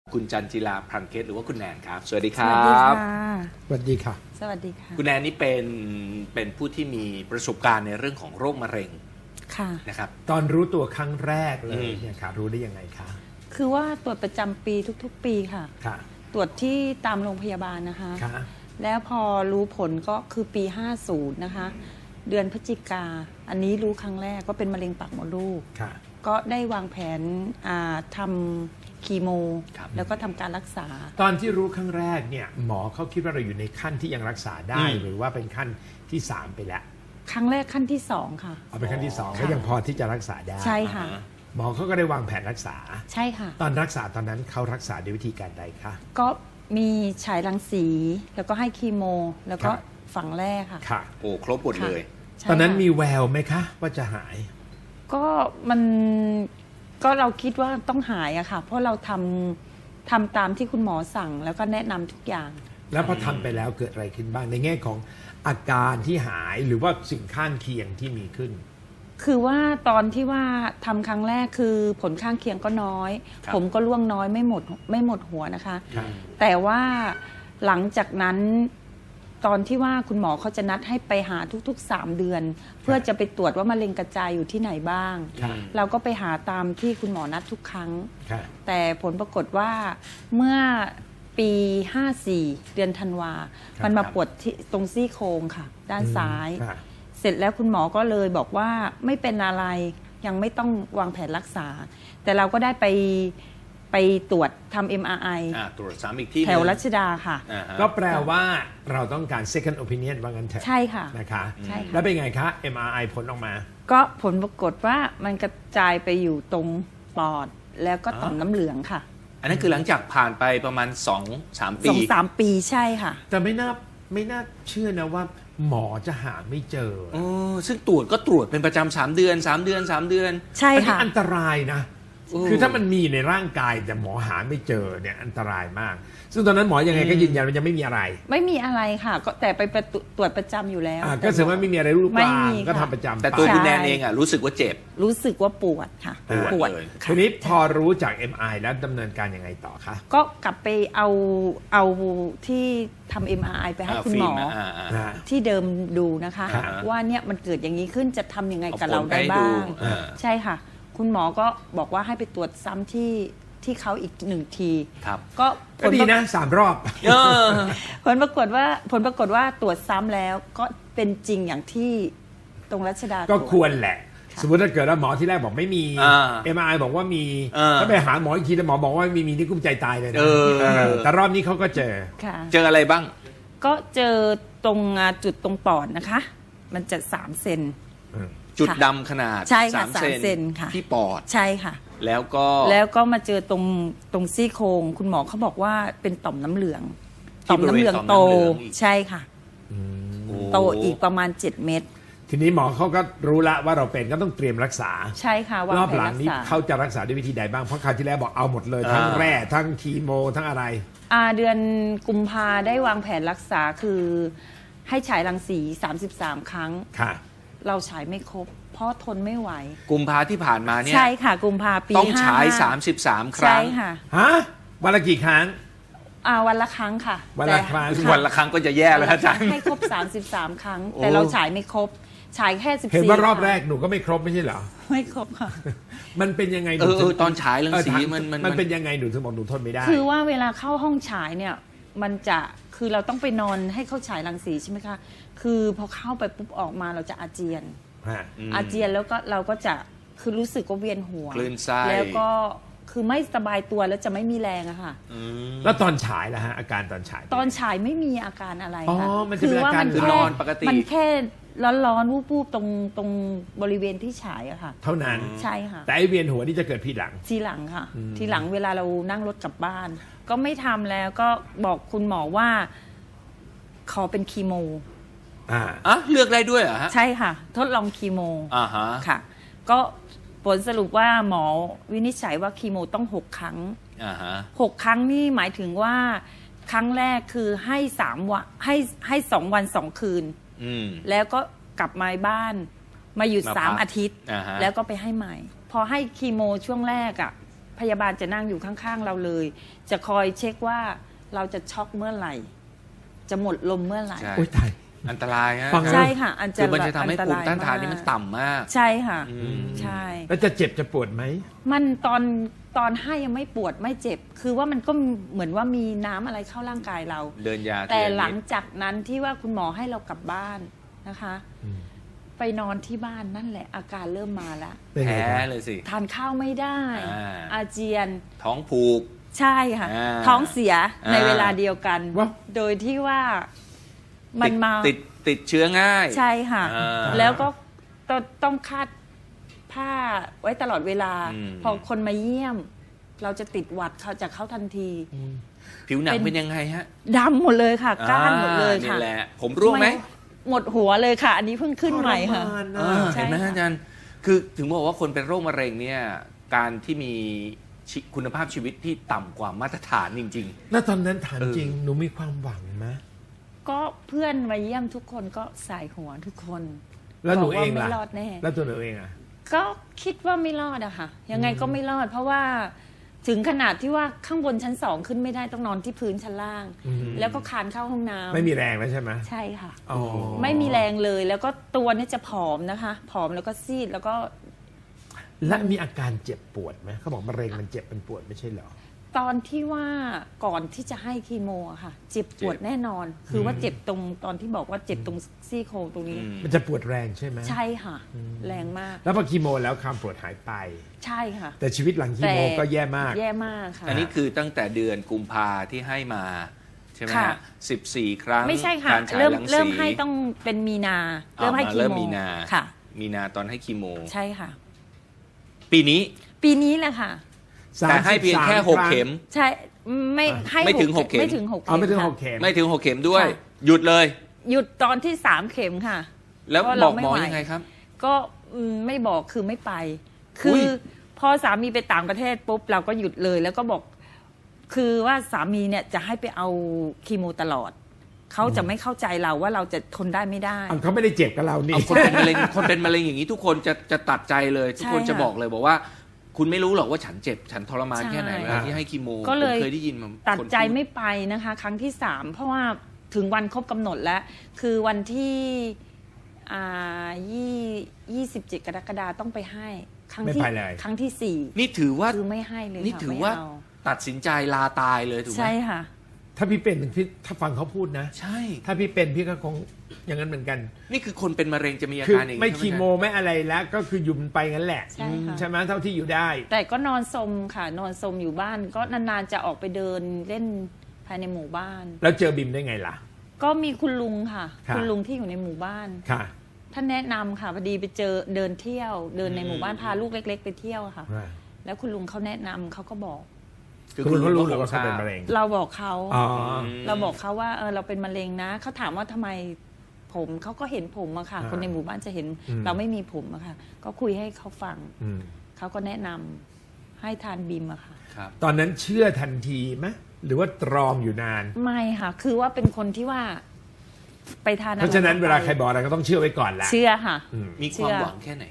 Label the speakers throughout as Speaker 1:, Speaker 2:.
Speaker 1: คุณจันจิราพรังเพชรหรือว่าคุณแนนครับสวัสดีค
Speaker 2: ส
Speaker 1: รั
Speaker 2: วัสดี
Speaker 1: บ
Speaker 2: ค่ะ
Speaker 3: สวัสดีค่ะ
Speaker 2: สวัสดีค่ะ
Speaker 1: คุณแนนนี่เป็นผู้ที่มีประสบการณ์ในเรื่องของโรคมะเร็ง
Speaker 2: ค่ะ
Speaker 1: นะครับ
Speaker 3: ตอนรู้ตัวครั้งแรกเล
Speaker 1: อื
Speaker 3: ย
Speaker 1: ม
Speaker 3: เนี่ยค่ะรู้ได้ยังไงคะ
Speaker 2: คือว่าตรวจประจำปีทุกๆ ปีค่ะ
Speaker 3: ค่ะ
Speaker 2: ตรวจที่ตามโรงพยาบาลนะคะ
Speaker 3: ค่ะ
Speaker 2: แล้วพอรู้ผลก็คือปี 50 นะคะ เดือนพฤศจิกา อันนี้รู้ครั้งแรกก็เป็นมะเร็งปากมดลูก
Speaker 3: ค่ะ
Speaker 2: ก็ได้วางแผนทำคีโม
Speaker 1: ครับ
Speaker 2: แล้วก็ทำการรักษา
Speaker 3: ตอนที่รู้ครั้งแรกเนี่ยหมอเขาคิดว่าเราอยู่ในขั้นที่ยังรักษาได้ หรือว่าเป็นขั้นที่ 3 ไปแล้ว
Speaker 2: ครั้งแรกขั้นที่ 2 ค่ะ
Speaker 3: เอาเป็นขั้นที่ 2
Speaker 2: ค่ะ
Speaker 3: ก็ยังพอที่จะรักษาได้
Speaker 2: ใช่ค่ะ
Speaker 3: หมอเขาก็ได้วางแผนรักษา
Speaker 2: ใช่ค่ะ
Speaker 3: ตอนรักษาตอนนั้นเขารักษาด้วยวิธีการใดคะ
Speaker 2: ก็มีฉายรังสี แล้วก็ให้คีโม แล้วก็
Speaker 3: ครับ
Speaker 2: ฝังแร่ค่ะ
Speaker 3: ค่ะ
Speaker 1: โอ้ครบหมดเลย
Speaker 2: ใช่
Speaker 3: ตอนนั้น
Speaker 2: ค่ะ
Speaker 3: มีแววไหมคะ ว่าจะหาย
Speaker 2: ก็มันก็เราคิดว่าต้องหายอะค่ะ เพราะเราทำตามที่คุณหมอสั่งแล้วก็แนะนำทุกอย่าง
Speaker 3: แล้วพอทำไปแล้วเกิดอะไรขึ้นบ้างในแง่ของอาการที่หายหรือว่าสิ่งข้างเคียงที่มีขึ้น
Speaker 2: คือว่าตอนที่ว่าทำครั้งแรกคือผลข้างเคียงก็น้อย
Speaker 1: ครับ
Speaker 2: ผมก็ร่วงน้อยไม่หมดหัวนะคะ
Speaker 3: ครับ
Speaker 2: แต่ว่าหลังจากนั้นตอนที่ว่าคุณหมอเขาจะนัดให้ไปหาทุกๆ 3 เดือน เพื่อจะไปตรวจว่ามะเร็งกระจายอยู่ที่ไหนบ้าง
Speaker 3: ค่ะ
Speaker 2: เราก็ไปหาตามที่คุณหมอนัดทุกครั้ง
Speaker 3: ค่ะ
Speaker 2: แต่ผลปรากฏว่าเมื่อปี 54 เดือนธันวา
Speaker 3: ครับ
Speaker 2: มันมาปวดที่ตรงซี่โครงค่ะ ด้านซ้าย
Speaker 3: ค่ะ
Speaker 2: เสร็จแล้วคุณหมอก็เลยบอกว่าไม่เป็นอะไรยังไม่ต้องวางแผนรักษา แต่เราก็ได้ไปตรวจทำ MRI
Speaker 1: ตรวจซ้ำอีกที่
Speaker 2: แถวรัชดาค่ะ
Speaker 1: อ่าฮะ
Speaker 3: ก็แปลว่าเราต้องการ second opinion ว่างั้นเถอะ
Speaker 2: ใช่ค่ะ
Speaker 3: นะคะ
Speaker 2: ใช่ค่ะ
Speaker 3: แล้วเป็นไงคะ MRI ผลออกมา
Speaker 2: ก็ผลปรากฏว่ามันกระจายไปอยู่ตรงปอด แล้วก็ต่อมน้ำเหลืองค่ะ
Speaker 1: อันนั้นคือหลังจากผ่านไปประมาณ 2-3 ปี
Speaker 2: 2-3 ปีใช่ค่ะ
Speaker 3: แต่ไม่น่าเชื่อนะว่าหมอจะหาไม่เจอ
Speaker 1: ซึ่งตรวจก็ตรวจเป็นประจำ3 เดือน 3 เดือน 3 เดือน
Speaker 2: ใช่
Speaker 3: อันนี้
Speaker 2: ค่ะ
Speaker 3: อันตรายนะ
Speaker 1: โอ้
Speaker 3: คือถ้ามันมีในร่างกายแต่หมอหาไม่เจอเนี่ยอันตรายมาก ซึ่งตอนนั้นหมอยังไงก็ยืนยันว่ายังไม่มีอะไร
Speaker 2: ไม่มีอะไรค่ะ ก็แต่ไปตรวจประจำอยู่แล้ว
Speaker 3: ก็แสดงว่าไม่มีอะไรรูป
Speaker 2: ไม่
Speaker 3: ร่าง
Speaker 2: มี
Speaker 3: ก็
Speaker 2: ค่ะ
Speaker 3: ทำประจำ
Speaker 1: แต่ตัว
Speaker 3: ไป
Speaker 1: คุณแนนเองรู้สึกว่าเจ็บ
Speaker 2: รู้สึกว่าปวดค่ะ
Speaker 1: ปวดเลย
Speaker 2: ค่ะ
Speaker 3: ทีนี้พอรู้จาก MRI แล้วดำเนินการยังไงต่อคะ
Speaker 2: ก็กลับไปเอาที่ทำ MRI ไปให้คุณหมอ
Speaker 1: ฟิล์
Speaker 2: ที่เดิมดูนะคะ
Speaker 3: ครับ
Speaker 2: ว่าเนี่ยมันเกิดอย่างนี้ขึ้นจะทำยังไงกับ
Speaker 1: เอาผล
Speaker 2: เราได้
Speaker 1: ไปให้
Speaker 2: บ้าง
Speaker 1: ดู
Speaker 2: ใช่ค่ะ คุณหมอก็บอกว่าให้ไปตรวจซ้ำที่เขาอีก1 ที
Speaker 1: ครับ
Speaker 2: ก็
Speaker 3: ก็ดีนะ3 รอบ
Speaker 1: เออ
Speaker 2: ผลปรากฏว่าตรวจซ้ำแล้วก็เป็นจริงอย่างที่ตรงรัชดา
Speaker 3: ก็
Speaker 2: ตรวจ
Speaker 3: ควรแหละ
Speaker 2: ค่ะ
Speaker 3: สมมติถ้าเกิดว่าหมอที่แรกบอกไม่มี MRI บอกว่ามี ถ้าไปหาหมออีกทีแล้วหมอบอกว่าไม่มีนี่กุ้มใจตายเลยนะแต่รอบนี้เขาก็เจอ
Speaker 2: ค่ะ
Speaker 1: เจออะไรบ้าง
Speaker 2: ก็เจอตรงจุดตรงปอดนะคะ มันจะ3 เซน
Speaker 1: จุดดำขนาด
Speaker 2: ใช่ค่ะ
Speaker 1: 3
Speaker 2: 3 เซนค่ะ
Speaker 1: ที่ปอด
Speaker 2: ใช่ค่ะ
Speaker 1: แล้วก็
Speaker 2: แล้วก็มาเจอตรงซี่โครงคุณหมอเขาบอกว่าเป็นต่อมน้ำเหลือง
Speaker 1: ที่
Speaker 2: ต่อมน้ำเหลือง
Speaker 1: บริเวณ
Speaker 2: โต
Speaker 1: ต่อมน้ำเหลืองอีก
Speaker 2: ใช่ค่ะ
Speaker 1: โอ้
Speaker 2: โตอีกประมาณ 7 เม็ด
Speaker 3: ทีนี้หมอเขาก็รู้ละว่าเราเป็นก็ต้องเตรียมรักษา
Speaker 2: ใช่ค่ะวาง
Speaker 3: รอบ
Speaker 2: แผน
Speaker 3: หลัง
Speaker 2: รัก
Speaker 3: นี้
Speaker 2: ษา
Speaker 3: เขาจะรักษาด้วยวิธีใดบ้างเพราะคราวที่แล้วบอกเอาหมดเลยทั้งแร่ทั้งคีโมทั้งอะไร
Speaker 2: เดือนกุมภาได้วางแผนรักษาคือให้ฉายรังสี 33 ครั้ง
Speaker 3: ค่ะ
Speaker 2: เราฉายไม่ครบ เพราะทนไม่ไหว
Speaker 1: กุมภาที่ผ่านมาเนี่ย
Speaker 2: ใช่ค่ะ กุมภาปี
Speaker 1: ต้องฉาย
Speaker 2: 55
Speaker 1: 33 ค
Speaker 2: ใช่
Speaker 1: รั้ง
Speaker 2: ค่ะ
Speaker 3: ฮะวันละกี่ครั้ง
Speaker 2: วันละครั้งค่ะ
Speaker 3: วันละครั้ง
Speaker 2: แต่
Speaker 1: วันละครั้งก็จะแย่แล้วอาจารย์
Speaker 2: ให้ครบ 33 ครั้ง
Speaker 1: โอ้
Speaker 2: แต่เราฉายไม่ครบ ฉายแค่14
Speaker 3: เห็นว่ารอบ
Speaker 2: คง
Speaker 3: แรกหนูก็ไม่ครบไม่ใช่เหรอ
Speaker 2: ไม่ครบค่ะ
Speaker 3: มันเป็นยังไงห
Speaker 1: เอ
Speaker 3: นู
Speaker 1: อ
Speaker 3: ถึง
Speaker 1: ตอนฉายรังสี
Speaker 3: ถา
Speaker 1: มัน
Speaker 3: เป็นยังไงหนูถึงบอกหนูทนไม่ได้
Speaker 2: คือว่าเวลาเข้าห้องฉายเนี่ยมันจะคือเราต้องไปนอนให้เขาฉายรังสีใช่ไหมคะคือพอเข้าไปปุ๊บออกมาเราจะอาเจียน
Speaker 3: ฮะ
Speaker 2: อาเจียนแล้วก็เราก็จะคือรู้สึกว่าเวียนหัว
Speaker 1: คลื่นไส้
Speaker 2: แล้วก็คือไม่สบายตัวแล้วจะไม่มีแรงอะค่ะ
Speaker 1: อืม
Speaker 3: แล้วตอนฉายล่ะฮะอาการตอนฉาย
Speaker 2: ตอนฉายไม่มีอาการอะไร
Speaker 3: อ๋อ
Speaker 2: ค่ะ
Speaker 3: มันจะเป็นอาการ
Speaker 1: คือนอนปกติ
Speaker 2: มันแค่ร้อนๆวูบๆตรงบริเวณที่ฉายอะค่ะ
Speaker 3: เท่านั้น
Speaker 2: ใช่ค่ะ
Speaker 3: แต่ไอเวียนหัวนี่จะเกิดทีหลัง
Speaker 2: ทีหลังค่ะ ทีหลังเวลาเรานั่งรถกลับบ้าน ก็ไม่ทำแล้วก็บอกคุณหมอว่าขอเป็นคีโม
Speaker 1: เลือกได้ด้วยเหรอฮะ
Speaker 2: ใช่ค่ะ ทดลองคีโม
Speaker 1: ฮะ
Speaker 2: ค่ะ ก็ผลสรุปว่าหมอวินิจฉัยว่าคีโมต้อง6 ครั้ง
Speaker 1: ฮะ
Speaker 2: 6 ครั้งนี่หมายถึงว่าครั้งแรกคือให้3 วันให้2 วัน 2 คืน
Speaker 1: อืม
Speaker 2: แล้วก็กลับมาบ้านมาหยุด
Speaker 1: มาพัก
Speaker 2: 3 อาทิตย์
Speaker 1: ฮะ
Speaker 2: แล้วก็ไปให้ใหม่ พอให้คีโมช่วงแรกอ่ะพยาบาลจะนั่งอยู่ข้างๆเราเลย จะคอยเช็คว่าเราจะช็อกเมื่อไหร่ จะหมดลมเมื่อไหร่
Speaker 1: ใช่
Speaker 3: โอ้ยตาย
Speaker 1: อันตรายฮะ
Speaker 3: ฟัง
Speaker 2: ใช่ค่ะอันจะ
Speaker 1: คือมันจะทำให้ภูมิต้านทานนี่มันต่ำมาก
Speaker 2: ใช่ค่ะ
Speaker 1: ม
Speaker 2: ใช่
Speaker 3: แล้วจะเจ็บจะปวดไหม
Speaker 2: มันตอนให้ยังไม่ปวดไม่เจ็บ คือว่ามันก็เหมือนว่ามีน้ำอะไรเข้าร่างกายเรา
Speaker 1: เดินยา
Speaker 2: แต่
Speaker 1: ทีละนิด
Speaker 2: หลังจากนั้นที่ว่าคุณหมอให้เรากลับบ้านนะคะ
Speaker 3: อืม
Speaker 2: ไปนอนที่บ้านนั่นแหละ อาการเริ่มมาแล้ว
Speaker 3: เป็นไง
Speaker 1: แพ้
Speaker 3: ครับ
Speaker 1: เลยสิ
Speaker 2: ทานข้าวไม่ได้ อาเจียน
Speaker 1: ท้องผูก
Speaker 2: ใช่ค่ะ
Speaker 1: อ่า
Speaker 2: ท้องเสียใน
Speaker 1: อ่า
Speaker 2: เวลาเดียวกัน
Speaker 3: ว้าว
Speaker 2: โดยที่ว่ามันมา
Speaker 1: ติดเชื้อง่าย
Speaker 2: ใช่ค่ะ
Speaker 1: อ่า
Speaker 2: แล้วก็ต้องคาดผ้าไว้ตลอดเวลา
Speaker 1: อืม
Speaker 2: พอคนมาเยี่ยม เราจะติดหวัดเขาจากเขาทันที
Speaker 1: ผิวหนัง
Speaker 2: เป็น
Speaker 1: เป็นยังไงฮะ
Speaker 2: ดำหมดเลยค่ะ ก้านหมดเลย
Speaker 1: นี่
Speaker 2: ค่ะ
Speaker 1: แหละ ผมร่วงไหม
Speaker 2: หมดหัวเลยค่ะ อันนี้เพิ่งขึ้นใหม่ค่ะ
Speaker 3: ทรมาน
Speaker 1: เอ
Speaker 3: นะ
Speaker 1: อ
Speaker 2: ใช่
Speaker 1: เห็นไหม
Speaker 2: ค่ะ
Speaker 1: อาจารย์คือถึงบอกว่าคนเป็นโรคมะเร็งเนี่ยการที่มีคุณภาพชีวิตที่ต่ำกว่ามาตรฐานจริง
Speaker 3: แล้วตอนนั้นถาม
Speaker 1: เออ
Speaker 3: จริง หนูมีความหวังไหม
Speaker 2: ก็เพื่อนมาเยี่ยมทุกคนก็สายหัวทุกคน
Speaker 3: แล้วหนู
Speaker 2: บก
Speaker 3: เอง
Speaker 2: ไม่
Speaker 3: ล่ะ
Speaker 2: รอดแน่
Speaker 3: แล้วตัวหนูเองอ่ะ
Speaker 2: ก็คิดว่าไม่รอดอะค่ะ ยังไงก็ไม่รอด เพราะว่าถึงขนาดที่ว่าข้างบนชั้น2ขึ้นไม่ได้ต้องนอนที่พื้นชั้นล่าง
Speaker 3: อืม
Speaker 2: แล้วก็คานเข้าห้องน้ำ
Speaker 3: ไม่มีแรงแล้วใช่ไหม
Speaker 2: ใช่ค่ะ
Speaker 3: อ๋อ
Speaker 2: ไม่มีแรงเลย แล้วก็ตัวเนี่ยจะผอมนะคะ ผอมแล้วก็ซีดแล้วก็
Speaker 3: และมีอาการเจ็บปวดไหมเขาบอกมะเร็งมันเจ็บมันปวดไม่ใช่เหรอ
Speaker 2: ตอนที่ว่าก่อนที่จะให้คีโมอะค่ะ เจ็บปวดแน่นอน คือว่าเจ็บตรงตอนที่บอกว่าเจ็บตรงซี่โครงตรงนี้
Speaker 3: มันจะปวดแรงใช่ไหม
Speaker 2: ใช่ค่ะ แรงมาก
Speaker 3: แล้วพอคีโมแล้วความปวดหายไป
Speaker 2: ใช่ค่ะ
Speaker 3: แต่ชีวิตหลังคีโมก็แย่มาก
Speaker 2: แย่มากค่ะ
Speaker 1: ๆ อันนี้คือตั้งแต่เดือนกุมภาที่ให้มาใช่ไหม
Speaker 2: ค่ะ
Speaker 1: ฮะ14 ครั้ง
Speaker 2: ไม่ใช่ค่ะ
Speaker 1: การฉาย
Speaker 2: เริ่ม
Speaker 1: รังสี
Speaker 2: เริ่มให้ต้องเป็นมีนา เริ่มให้
Speaker 1: อ่า
Speaker 2: คี
Speaker 1: เริ่ม
Speaker 2: โม
Speaker 1: มีนา
Speaker 2: ค่ะ
Speaker 1: มีนาตอนให้คีโม
Speaker 2: ใช่ค่ะ
Speaker 1: ปีนี้
Speaker 2: ปีนี้แหละค่ะ
Speaker 1: แต่ให้เพียงแค่
Speaker 3: 33
Speaker 1: 6 เข็ม
Speaker 2: ใช่ไม่ให้
Speaker 1: ไม่ถึงหกเข็ม
Speaker 2: ไม่ถึงหก
Speaker 3: เอาไม่ถึง
Speaker 2: ค่ะ
Speaker 3: 6 เข็ม
Speaker 1: ไม่ถึง 6 เข็มด้วย
Speaker 2: ค่ะ
Speaker 1: หยุดเลย
Speaker 2: หยุดตอนที่3 เข็มค่ะ
Speaker 1: แล้ว
Speaker 2: เพราะ
Speaker 1: บ
Speaker 2: เรา
Speaker 1: อกหมอ
Speaker 2: ไม่ไหว
Speaker 1: ยังไงครับ
Speaker 2: ก็ไม่บอกคือไม่ไป คืออย พอสามีไปต่างประเทศปุ๊บเราก็หยุดเลย แล้วก็บอก คือว่าสามีเนี่ยจะให้ไปเอาคีโมตลอด เขาจะไม่เข้าใจเราว่าเราจะทนได้ไม่ได้
Speaker 3: เขาไม่ได้เจ็บกับเรานี่
Speaker 1: เอาคนเป็นมะเร็ง คนเป็นมะเร็งอย่างนี้ทุกคนจะตัดใจเลย ทุกคน
Speaker 2: ใช่
Speaker 1: จะ
Speaker 2: ค่ะ
Speaker 1: บอกเลยบอกว่า คุณไม่รู้หรอกว่าฉันเจ็บ ฉันทรมาน
Speaker 2: ใช่
Speaker 1: แค่ไหนเวลาที่ให้คีโม
Speaker 2: ก็เลย
Speaker 1: ผมเคยได้ยินมา
Speaker 2: ตัด
Speaker 1: คน
Speaker 2: ใจ
Speaker 1: พู
Speaker 2: ไม่ไปนะคะ ครั้งที่ 3 เพราะว่าถึงวันครบกำหนดแล้ว คือวันที่27 กรกฎาคมต้องไปให้ ครั้งที่
Speaker 3: ไม่ไปเลย
Speaker 2: ครั้งที่
Speaker 1: นี่ถือว่า
Speaker 2: 4 คือไม่ให้เลย
Speaker 1: นี่
Speaker 2: ค่ะ
Speaker 1: ถือ
Speaker 2: ไม่
Speaker 1: ว่า
Speaker 2: เอา
Speaker 1: ตัดสินใจลาตายเลยถูกไหม
Speaker 2: ใช่ค่ะ
Speaker 3: ถ้าพี่เป็นพี่ถ้าฟังเขาพูดนะ
Speaker 1: ใช่
Speaker 3: ถ้าพี่เป็นพี่ก็คงอย่างนั้นเหมือนกัน
Speaker 1: นี่คือคนเป็นมะเร็งจะมีอา
Speaker 3: คือ
Speaker 1: การอย่างนี้
Speaker 3: ไม่
Speaker 1: ใช่ห
Speaker 3: คีโมไม่อะไรแล้ว ก็คือหยุมไปงั้นแหละ
Speaker 2: ใช่ค่ะ
Speaker 3: ใช่ไหมเท่าที่อยู่ได้
Speaker 2: แต่ก็นอนสมค่ะ นอนสมอยู่บ้าน ก็นานๆจะออกไปเดินเล่นภายในหมู่บ้าน
Speaker 3: แล้วเจอบิมได้ไงล่ะ
Speaker 2: ก็มีคุณลุงค่ะ
Speaker 3: ค่ะ
Speaker 2: คุณลุงที่อยู่ในหมู่บ้าน
Speaker 3: ค่ะ
Speaker 2: ท่านแนะนำค่ะพอดีไปเจอเดินเที่ยว เดินในหมู่บ้านพาลูกเล็ก ๆ ไปเที่ยวค่ะ แล้วคุณลุงเขาแนะนำเขาก็บอก
Speaker 3: คือคุณก็รู้หรือว่าเขาเป็นมะเร็ง
Speaker 2: เราบอกเขา
Speaker 3: อ๋อ
Speaker 2: เราบอกเขาว่าเราเป็นมะเร็งนะเขาถามว่าทำไมผมเขาก็เห็นผมอะค่ะ
Speaker 3: อ่า
Speaker 2: คนในหมู่บ้านจะเห็น
Speaker 3: อืม
Speaker 2: เราไม่มีผมอะค่ะ ก็คุยให้เขาฟัง
Speaker 3: อืม
Speaker 2: เขาก็แนะนำให้ทานบิมอะค่ะ
Speaker 1: ครับ
Speaker 3: ตอนนั้นเชื่อทันทีไหมหรือว่าตรองอยู่นาน
Speaker 2: ไม่ค่ะ คือว่าเป็นคนที่ว่า ไปทาน
Speaker 3: เพราะฉะนั้นเวลาใครบอกอะไรก็ต้องเชื่อไว้ก่อนแหละ
Speaker 2: เชื่อค่ะ
Speaker 3: อืม
Speaker 1: มีความหวังแค่ไหน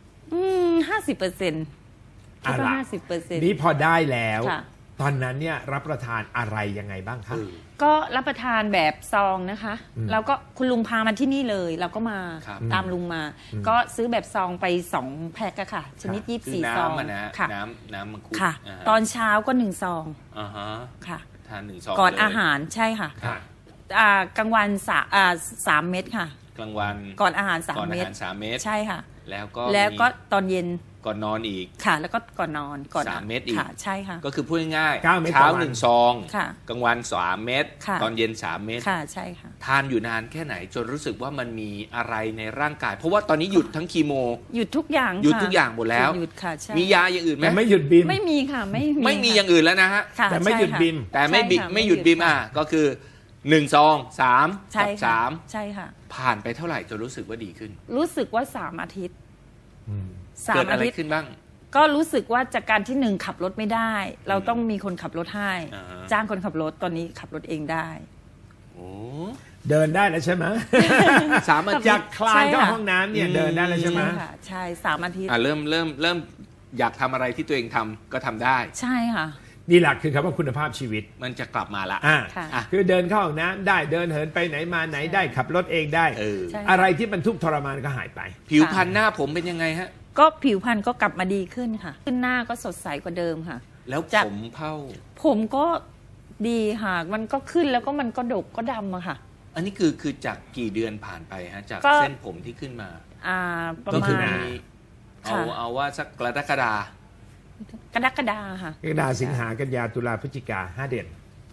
Speaker 2: 50%คิดว่า 50%
Speaker 3: นี่พอได้แล้ว
Speaker 2: ค่ะ
Speaker 3: ตอนนั้นเนี่ยรับประทานอะไรยังไงบ้างคะ
Speaker 2: ก็รับประทานแบบซองนะคะ
Speaker 3: อืม
Speaker 2: แล้วก็คุณลุงพามาที่นี่เลย เราก็มา
Speaker 1: ครับ
Speaker 2: ตามลุงมา ก็ซื้อแบบซองไป2แพ็คอะค่ะ ชนิด
Speaker 1: คือ
Speaker 2: 24ซอง
Speaker 1: น้ำอะนะ
Speaker 2: ค่ะ
Speaker 1: น้ำมังคุด
Speaker 2: ค่ะ
Speaker 1: าฮะ
Speaker 2: ตอนเช้าก็1ซอง
Speaker 1: อ่าฮะ
Speaker 2: ค่ะ
Speaker 1: ทาน1 ซอง
Speaker 2: ก่อน
Speaker 1: เลย
Speaker 2: อาหารใช่ค่ะ
Speaker 3: ค่ะ
Speaker 2: กลางวัน3 เม็ดค่ะ
Speaker 1: กลางวัน
Speaker 2: ก่อนอาหาร
Speaker 1: ก่อน
Speaker 2: 3
Speaker 1: อา
Speaker 2: เม็ด
Speaker 1: หาร3 เม็ด
Speaker 2: ใช่ค่ะ
Speaker 1: แล้วก็
Speaker 2: แล้วก็
Speaker 1: มี
Speaker 2: ตอนเย็น
Speaker 1: ก่อนนอนอีก
Speaker 2: ค่ะ แล้วก็ก่อนนอนก่อน
Speaker 1: 3 เม็ดอีก
Speaker 2: ค่ะ ใช่ค่ะ
Speaker 1: ก็คือพูดง่าย
Speaker 3: 9 เม็ด
Speaker 1: เช้า
Speaker 3: ต่อวัน
Speaker 1: 1 ซอง
Speaker 2: ค่ะ
Speaker 1: กลางวัน3 เม็ด
Speaker 2: ค่ะ
Speaker 1: ตอนเย็น3 เม็ด
Speaker 2: ค่ะใช่ค่ะ
Speaker 1: ทานอยู่นานแค่ไหนจนรู้สึกว่ามันมีอะไรในร่างกาย เพราะว่าตอนนี้หยุดทั้งคีโม
Speaker 2: หยุดทุกอย่าง
Speaker 1: หยุด
Speaker 2: ค่ะ
Speaker 1: ทุกอย่างหมดแล้ว
Speaker 2: หยุดค่ะใช่
Speaker 1: มียาอย่างอื่นไหม
Speaker 3: แต่ไม่หยุดบิม
Speaker 2: ไม่มีค่ะไม่มี
Speaker 1: ไม่มี
Speaker 2: ค่ะ
Speaker 1: อย่างอื่นแล้วนะฮะ
Speaker 2: ค่ะ
Speaker 3: แต่ไม่หยุด
Speaker 2: ใช่ค่ะ
Speaker 3: บิม
Speaker 1: แต่ไม่บิ
Speaker 2: ใช่ค่ะ
Speaker 1: ไม่หยุดบิม
Speaker 2: ไม่หยุดค่ะ
Speaker 1: ก็คือ1 ซอง 3
Speaker 2: ใช่
Speaker 1: กับ
Speaker 2: ค่ะ
Speaker 1: 3
Speaker 2: ใช่ค่ะ
Speaker 1: ผ่านไปเท่าไหร่จนรู้สึกว่าดีขึ้น
Speaker 2: รู้สึกว่า3 อาทิตย์
Speaker 3: อืม
Speaker 1: เกิด
Speaker 2: 3
Speaker 1: อะ
Speaker 2: อา
Speaker 1: ไร
Speaker 2: ทิตย์
Speaker 1: ขึ้นบ้าง
Speaker 2: ก็รู้สึกว่าจากการที่1ขับรถไม่ได้ เราต้องมีคนขับรถให้
Speaker 1: อ่าฮะ
Speaker 2: จ้างคนขับรถตอนนี้ขับรถเองได้
Speaker 1: โอ้
Speaker 3: เดินได้แล้วใช่ไหม
Speaker 1: 3 อาทิ
Speaker 3: จา
Speaker 1: ต
Speaker 3: ก
Speaker 1: ย์
Speaker 3: คลานเข้าห้องน้ำเนี่ยเดินได้แล้วใช่ไหม
Speaker 2: ค่ะใช่3 อาทิตย์
Speaker 1: เริ่มอยากทำอะไรที่ตัวเองทำก็ทำได้
Speaker 2: ใช่ค่ะ
Speaker 3: นี่แหละคือคำว่าคุณภาพชีวิต
Speaker 1: มันจะกลับมาละ
Speaker 2: ค่ะ
Speaker 3: คือเดินเข้าห้องน้ำได้เดินเหินไปไหนมาไหนได้ขับรถเองได้
Speaker 2: ใช่
Speaker 3: อะไรที่มันทุกข์ทรมานก็หายไป
Speaker 1: ผิวพรรณหน้าผมเป็นยังไงฮะ
Speaker 2: ก็ผิวพรรณก็กลับมาดีขึ้นค่ะ ขึ้นหน้าก็สดใสกว่าเดิมค่ะ
Speaker 1: แล้ว
Speaker 2: จาก
Speaker 1: ผมเผ่า
Speaker 2: ผมก็ดีค่ะ มันก็ขึ้นแล้วก็มันก็ดกก็ดำอะค่ะ
Speaker 1: อันนี้คือจากกี่เดือนผ่านไปฮะจาก
Speaker 2: ก็
Speaker 1: เส้นผมที่ขึ้นมา
Speaker 2: ประ
Speaker 3: ก็
Speaker 2: มา
Speaker 3: คือ
Speaker 2: ณ
Speaker 3: หน้า
Speaker 1: เอาว่าสักกรกฎา
Speaker 2: กรกฎาค่ะ
Speaker 3: กรกฎาสิงหากันยาตุลาพฤศจิกา5 เดือน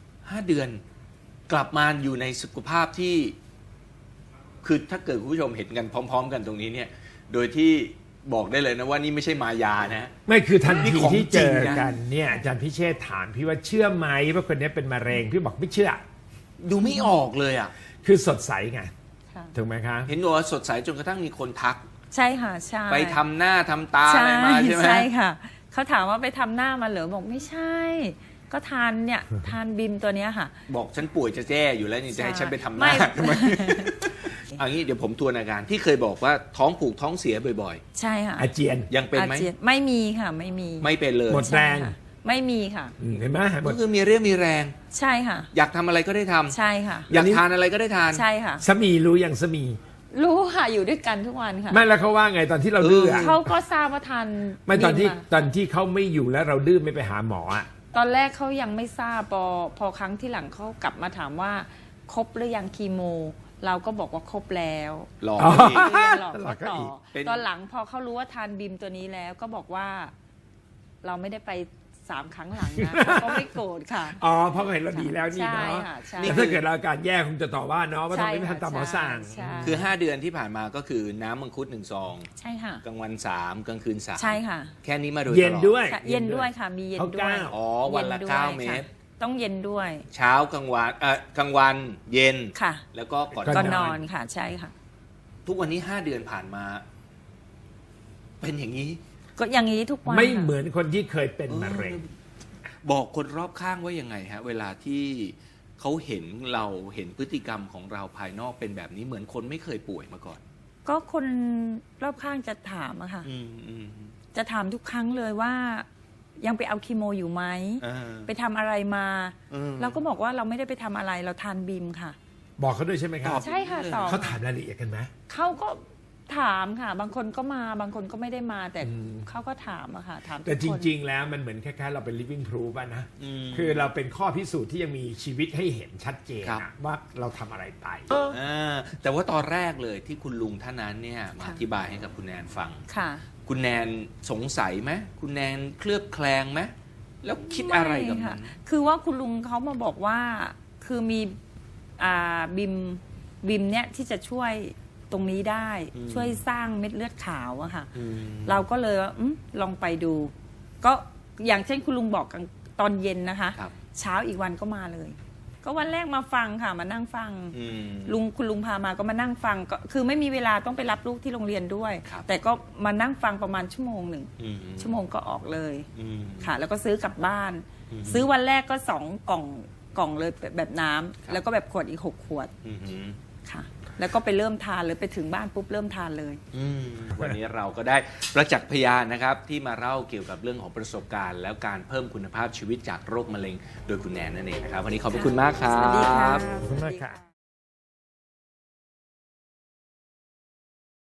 Speaker 1: 5 เดือน กลับมาอยู่ในสุขภาพที่ คือถ้าเกิดคุณผู้ชมเห็นกันพร้อม ๆ กันตรงนี้เนี่ย โดยที่บอกได้เลยนะว่านี่ไม่ใช่มายานะ
Speaker 3: ไม่คือทัน
Speaker 1: นี่
Speaker 3: ที
Speaker 1: ของ
Speaker 3: ที่เจอ
Speaker 1: จริงนะ
Speaker 3: กันเนี่ยอาจารย์พิเชษฐ์ถามพี่ว่าเชื่อไหมว่าคนนี้เป็นมะเร็งพี่บอกไม่เชื่อ
Speaker 1: ดูไม่ออกเลยอ่ะ
Speaker 3: คือสดใสไง
Speaker 2: ค่ะ
Speaker 3: ถูกไหมคะ
Speaker 1: เห็นบอกว่าสดใสจนกระทั่งมีคนทัก
Speaker 2: ใช่ค่ะใช่
Speaker 1: ไปทำหน้าทำตาอะไรมาใช่ไหม
Speaker 2: ใช่ค่ะ เขาถามว่าไปทำหน้ามาเหรอบอกไม่ใช่ ก็ทานเนี่ย ทานบิมตัวเนี้ยค่ะ
Speaker 1: บอกฉันป่วยจะแจ้อยู่แล้วนี่จะให้ฉันไปทำห
Speaker 2: ไม่
Speaker 1: น้าทำไม เอางี้เดี๋ยวผมทวนอาการที่เคยบอกว่าท้องผูกท้องเสียบ่อย
Speaker 2: ใช่ค่ะ
Speaker 3: อาเจียน
Speaker 1: ๆ ยังเป็นไหม
Speaker 2: อาจียไม่มีค่ะ ไม่มี
Speaker 1: ไม่เป็นเลย
Speaker 3: หมดแรง
Speaker 2: ใช่ค่ะไม่มีค่ะ
Speaker 3: เห็นไหมหม
Speaker 1: ก็
Speaker 3: ด
Speaker 1: คือมีเรี่ยวมีแรง
Speaker 2: ใช่ค่ะ
Speaker 1: อยากทำอะไรก็ได้ทำ
Speaker 2: ใช่ค่ะ
Speaker 1: อยากทานอะไรก็ได้ทาน
Speaker 2: ใช่ค่ะ
Speaker 3: สามีรู้อย่างสามี
Speaker 2: รู้ค่ะอยู่ด้วยกันทุกวันค่ะ
Speaker 3: ไม่แล้วเขาว่าไงตอนที่เราดื้ออะ
Speaker 2: เขาก็ทราบว่าทาน
Speaker 3: ไม่ตอนที่
Speaker 2: บิะ
Speaker 3: ตอนที่เขาไม่อยู่แล้วเราดื้อไม่ไปหาหมออะ
Speaker 2: ตอนแรกเขายังไม่ทราบพอครั้งที่หลังเขากลับมาถามว่าครบหรือยังคีโม เราก็บอกว่าครบแล้ว
Speaker 1: หลอก
Speaker 2: เรียนหลอกเขาต่อ
Speaker 1: เป็น
Speaker 2: ตอนหลังพอเขารู้ว่าทานบิมตัวนี้แล้วก็บอกว่าเราไม่ได้ไป3 ครั้งหลังนะเขาก็ไม่โกรธค่ะ
Speaker 3: อ๋อเพราะเขาเห็นเราดีแล้วนี่
Speaker 2: ใช่
Speaker 3: เนาะ
Speaker 2: ค่ะใช่
Speaker 3: แต่ถ้าเกิดเราอาการแย่คงจะต่อว่าเนาะว่าทำไมไม่
Speaker 2: ใช่ค่ะ
Speaker 3: ทำตามหมอสั่ง
Speaker 2: ใช่
Speaker 1: คือ 5 เดือนที่ผ่านมาก็คือน้ำมังคุด1 ซอง
Speaker 2: ใช่ค่ะ
Speaker 1: กลางวัน 3 กลางคืน 3
Speaker 2: ใช่ค่ะ
Speaker 1: แค่นี้มาโดยตลอด
Speaker 3: เย็นด้วย
Speaker 2: ค่ะเย็นด้วยค่ะ มีเย็นด้วย
Speaker 1: อ๋อวันละ
Speaker 2: ย็ด้วย
Speaker 1: 9 เม็ด
Speaker 2: ค่ะต้องเย็นด้วย
Speaker 1: เช้ากลางวันกลางวันเย็น
Speaker 2: ค่ะ
Speaker 1: แล้วก็ก่อน
Speaker 2: ก็
Speaker 3: น
Speaker 2: น
Speaker 3: อน
Speaker 2: อนค่ะ ใช่ค่ะ
Speaker 1: ทุกวันนี้ 5 เดือนผ่านมา เป็นอย่างนี้
Speaker 2: ก็อย่างนี้ทุกวัน
Speaker 3: ไม่
Speaker 2: ค่ะ
Speaker 3: เหมือนคนที่เคยเป็นมะเร็ง
Speaker 1: บอกคนรอบข้างว่ายังไงฮะ เวลาที่เขาเห็นเราเห็นพฤติกรรมของเราภายนอกเป็นแบบนี้เหมือนคนไม่เคยป่วยมาก่อน
Speaker 2: ก็คนรอบข้างจะถามอะค่ะ
Speaker 1: อืม
Speaker 2: จะถามทุกครั้งเลยว่า ยังไปเอาคีโมอยู่ไหม ไปทำอะไรมา เราก็บอกว่าเราไม่ได้ไปทำอะไรเราทานบิมค่ะ
Speaker 3: บอกเขาด้วยใช่ไหมครับ
Speaker 2: ใช่ค่ะตอบ
Speaker 3: เขาถามรายละเอียดกันไหม
Speaker 2: เขาก็ถามค่ะ บางคนก็มาบางคนก็ไม่ได้มา แต่เขาก็ถามอะค่ะ ถามทุกคน
Speaker 3: แต่จริง ๆ แล้วมันเหมือนคล้ายๆเราเป็น living proof อะนะ คือเราเป็นข้อพิสูจน์ที่ยังมีชีวิตให้เห็นชัดเจน
Speaker 1: ครับ
Speaker 3: อะว่าเราทำอะไรไป
Speaker 1: แต่ว่าตอนแรกเลยที่คุณลุงท่านนั้นเนี่ยมาอธิบายให้กับคุณแนนฟัง
Speaker 2: ค่ะ
Speaker 1: คุณแนนสงสัยไหมคุณแนนเคลือบแคลงไหมแล้วคิดอะไรกับ
Speaker 2: ม่
Speaker 1: มั
Speaker 2: ค่ะ
Speaker 1: น
Speaker 2: คือว่าคุณลุงเขามาบอกว่า คือมีบิมเนี่ยที่จะช่วยตรงนี้ได้ ช่วยสร้างเม็ดเลือดขาวอะค่ะ เราก็เลยว่าลองไปดู ก็อย่างเช่นคุณลุงบอกกันตอนเย็นนะคะ
Speaker 1: ครับ
Speaker 2: เช้าอีกวันก็มาเลย ก็วันแรกมาฟังค่ะมานั่งฟัง คุณลุงพามาก็มานั่งฟังก็คือไม่มีเวลาต้องไปรับลูกที่โรงเรียนด้วย
Speaker 1: ครับ
Speaker 2: แต่ก็มานั่งฟังประมาณชั่วโมงหนึ่ง ชั่วโมงก็ออกเลย ค่ะ แล้วก็ซื้อกลับบ้าน ซื้อวันแรกก็2 กล่องเลยแบบน้ำแล้วก็แบบขวดอีก6 ขวดค่ะ แล้วก็ไปเริ่มทานเลยไปถึงบ้านปุ๊บเริ่มทานเลย
Speaker 1: วันนี้เราก็ได้ประจักษ์พยานนะครับที่มาเล่าเกี่ยวกับเรื่องของประสบการณ์ แล้วการเพิ่มคุณภาพชีวิตจากโรคมะเร็งโดยคุณแนนนั่นเองนะครับวันนี้ขอบพระคุณมากครับ
Speaker 2: สวัสดีค่ะ
Speaker 3: ขอบคุณมากค่ะ